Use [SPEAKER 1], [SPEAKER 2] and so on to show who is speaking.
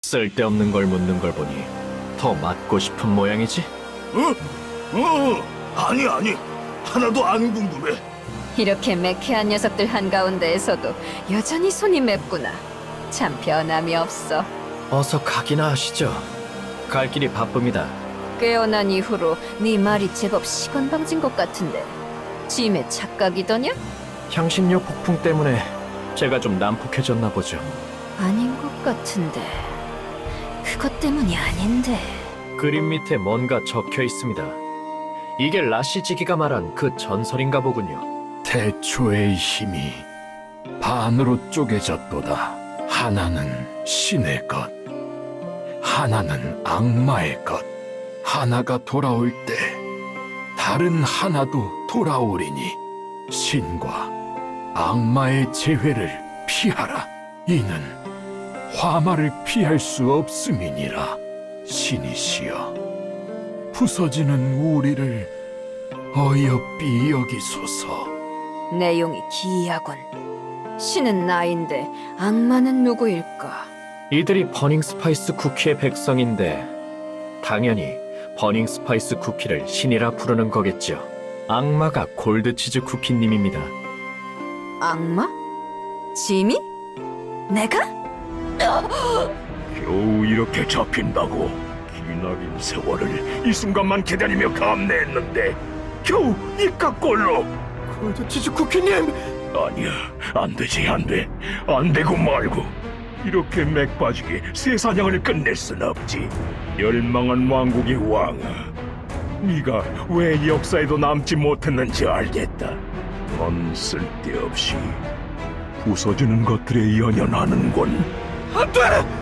[SPEAKER 1] 쓸데없는 걸 묻는 걸 보니 더 맞고 싶은 모양이지?
[SPEAKER 2] 아니. 하나도 안 궁금해.
[SPEAKER 3] 이렇게 매캐한 녀석들 한가운데에서도 여전히 손이 맵구나. 참 변함이 없어.
[SPEAKER 1] 어서 가기나 하시죠. 갈 길이 바쁩니다.
[SPEAKER 3] 깨어난 이후로 네 말이 제법 시건방진 것 같은데 짐의 착각이더냐?
[SPEAKER 1] 향신료 폭풍 때문에 제가 좀 난폭해졌나 보죠.
[SPEAKER 3] 아닌 것 같은데 그것 때문이 아닌데.
[SPEAKER 1] 그림 밑에 뭔가 적혀 있습니다. 이게 라시지기가 말한 그 전설인가 보군요.
[SPEAKER 4] 태초의 힘이 반으로 쪼개졌도다. 하나는 신의 것, 하나는 악마의 것. 하나가 돌아올 때 다른 하나도 돌아오리니 신과 악마의 재회를 피하라. 이는 화마를 피할 수 없음이니라. 신이시여, 부서지는 우리를 어여삐 여기소서.
[SPEAKER 3] 내용이 기이하군. 신은 나인데 악마는 누구일까?
[SPEAKER 1] 이들이 버닝 스파이스 쿠키의 백성인데 당연히 버닝 스파이스 쿠키를 신이라 부르는 거겠죠. 악마가 골드치즈 쿠키님입니다.
[SPEAKER 3] 악마? 짐이? 내가?
[SPEAKER 2] 겨우 이렇게 잡힌다고. 기나긴 세월을 이 순간만 기다리며 감내했는데 겨우 이깟꼴로.
[SPEAKER 1] 골드치즈 쿠키님!
[SPEAKER 2] 아니야, 안 되지, 안 돼. 안 되고 말고. 이렇게 맥 빠지게 새 사냥을 끝낼 순 없지. 멸망한 왕국의 왕아, 네가 왜 역사에도 남지 못했는지 알겠다. 넌 쓸데없이 부서지는 것들에 연연하는군.
[SPEAKER 1] 안 돼!